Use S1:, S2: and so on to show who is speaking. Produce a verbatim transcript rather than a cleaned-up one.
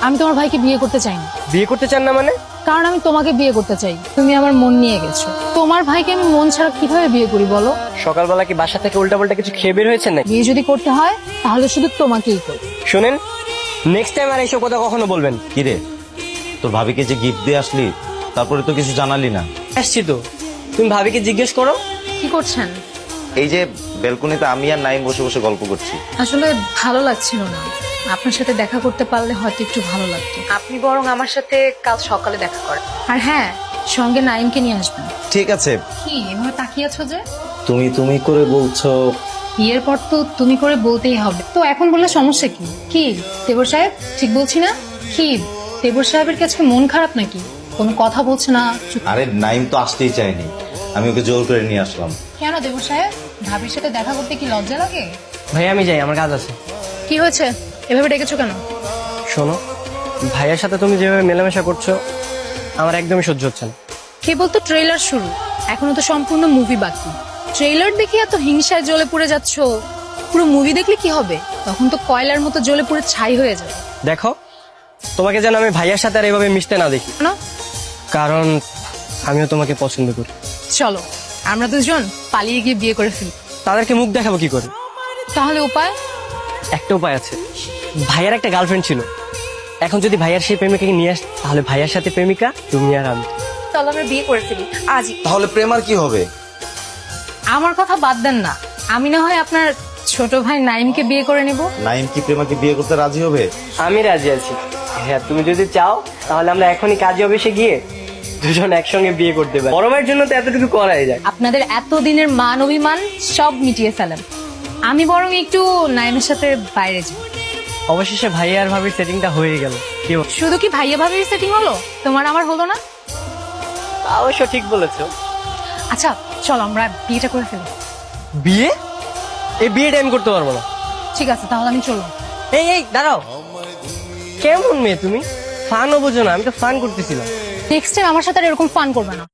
S1: আমি তোমার ভাইকে বিয়ে করতে চাই না।
S2: বিয়ে করতে চান না মানে?
S1: কারণ আমি তোমাকে বিয়ে করতে চাই, তুমি আমার মন নিয়ে গেছো। তোমার ভাইকে আমি মন ছাড়া কিভাবে বিয়ে করি বলো?
S2: সকালবেলা কি বাসা থেকে উল্টাপাল্টা কিছু খেয়ে বের হয়েছেন নাকি?
S1: বিয়ে যদি করতে হয় তাহলে শুধু তোমাকেই করি।
S2: শুনেন, নেক্সট টাইম আর এইসব কথা কখনো বলবেন।
S3: কিরে, তোর ভাবিকে যে গিফট দিয়ে আসলি তারপরে তো কিছু জানালি না।
S2: আসছি তো, তুমি ভাবিকে জিজ্ঞেস করো।
S1: কি করছেন?
S3: এই যে বেলকনিতে আমি আর নাইম বসে বসে গল্প করছি।
S1: আসলে ভালো লাগছিল না, আপনার সাথে দেখা করতে পারলে হয়তো একটু ভালো লাগতো। আপনি বরং আমার সাথে কাল সকালে দেখা করেন। আর হ্যাঁ, সঙ্গে নাইমকে নিয়ে আসবেন।
S3: ঠিক আছে।
S1: কি এভাবে তাকিয়ে আছো যে?
S3: তুমি তুমি করে বলছো।
S1: বিয়ের পর তো তুমি করে বলতেই হবে, তো এখন বললে সমস্যা কি? কি দেবর সাহেব, ঠিক বলছি না? কি দেবর সাহেবের কাছে মন খারাপ নাকি? কোনো কথা বলছে না, চুপ।
S3: আরে নাইম তো আসতেই চায়নি, আমি ওকে জোর করে নিয়ে আসলাম।
S1: কেন দেবর সাহেব, ভাবির সাথে দেখা করতে কি লজ্জা লাগে?
S2: ভাই আমি যাই, আমার কাজ আছে।
S1: কি হয়েছে, এভাবে ডেকেছো কেন?
S2: শোনো, ভাইয়ের সাথে তুমি যেভাবে মেলামেশা করছো আমার একদমই সহ্য হচ্ছে না।
S1: কেবল তো ট্রেলার শুরু, এখনো তো সম্পূর্ণ মুভি বাকি। ট্রেলার দেখে এত হিংসায় জ্বলে পুড়ে যাচ্ছ, পুরো মুভি দেখলে কি হবে? তখন তো কয়লার মতো জ্বলে পুড়ে ছাই হয়ে যাবে।
S2: দেখো, তোমাকে যেন আমি ভাইয়ার সাথে আর এভাবে মিশতে না দেখি,
S1: না,
S2: কারণ আমিও তোমাকে পছন্দ করি।
S1: চলো আমরা দুজন পালিয়ে গিয়ে বিয়ে করে ফেলি।
S2: তাদেরকে মুখ দেখাবো কি করে?
S1: তাহলে উপায়?
S2: একটা উপায় আছে। ভাইয়ার একটা গার্লফ্রেন্ড ছিল, এখন যদি ভাইয়ার সেই প্রেমিকাকে নিয়ে আস, তাহলে ভাইয়ার সাথে প্রেমিকা তুমি আর আমি।
S1: চলো আমরা বিয়ে করে ফেলি আজই।
S3: তাহলে প্রেম আর কি হবে?
S1: আমার কথা বাদ দেন না, আমি না হয় আপনার ছোট ভাই নাইমকে বিয়ে করে নেব।
S3: নাইম কি প্রেমাকে বিয়ে করতে রাজি হবে?
S2: আমি রাজি আছি। হ্যাঁ, তুমি যদি চাও তাহলে আমরা এখনই কাজী অফিসে গিয়ে দুজন একসঙ্গে বিয়ে করতে পারি। বড় ভাইয়ের জন্য তো এতটুকু করাই যায়।
S1: আপনাদের এতদিনের মান অভিমান সব মিটিয়ে ফেলেন। আমি বরং একটু নাইমের সাথে বাইরে যাই।
S2: অবশেষে ভাইয়া আর ভাবির সেটিংটা হয়ে গেল। কি বল?
S1: শুধু কি ভাইয়া ভাবির সেটিং হলো, তোমার আমার হলো না?
S2: অবশ্য ঠিক বলেছো।
S1: আচ্ছা চলো আমরা বিয়েটা করে ফেলি।
S2: বিয়ে? এই বিয়েটা আমি করতে পারবো না।
S1: ঠিক আছে তাহলে আমি চললাম।
S2: এই এই দাঁড়াও, কেমন মেয়ে তুমি? ফানও বোঝো না, আমি তো ফান করতেছিলাম।
S1: নেক্সট টাইম আমার সাথে আর এরকম ফান করবে না।